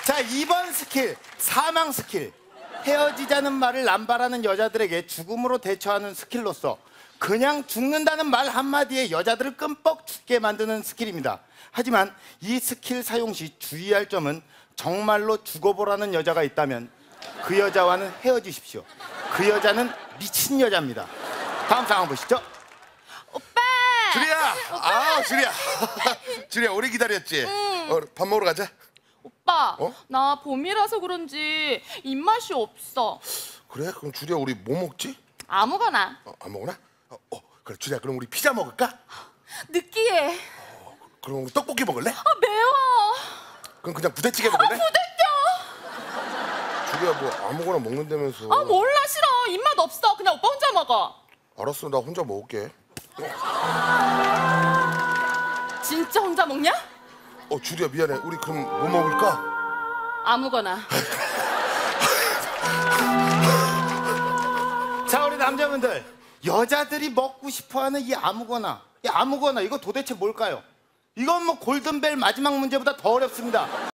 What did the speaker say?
자, 2번 스킬, 사망 스킬. 헤어지자는 말을 남발하는 여자들에게 죽음으로 대처하는 스킬로서 그냥 죽는다는 말 한마디에 여자들을 끔뻑 죽게 만드는 스킬입니다. 하지만 이 스킬 사용 시 주의할 점은 정말로 죽어보라는 여자가 있다면 그 여자와는 헤어지십시오. 그 여자는 미친 여자입니다. 다음 상황 보시죠. 오빠! 주리야! 아, 주리야. 주리야, 오래 기다렸지? 밥 먹으러 가자. 오빠, 어? 나 봄이라서 그런지 입맛이 없어. 그래? 그럼 주리야, 우리 뭐 먹지? 아무거나. 아무거나? 그래, 주리야, 그럼 우리 피자 먹을까? 느끼해. 그럼 우리 떡볶이 먹을래? 매워. 그럼 그냥 부대찌개 먹을래? 부대껴. 주리야, 뭐 아무거나 먹는다면서. 몰라, 싫어. 입맛 없어. 그냥 오빠 혼자 먹어. 알았어, 나 혼자 먹을게. 진짜 혼자 먹냐? 주리야, 미안해. 우리 그럼 뭐 먹을까? 아무거나. 자, 우리 남자분들, 여자들이 먹고 싶어하는 이 아무거나 이거 도대체 뭘까요? 이건 뭐 골든벨 마지막 문제보다 더 어렵습니다.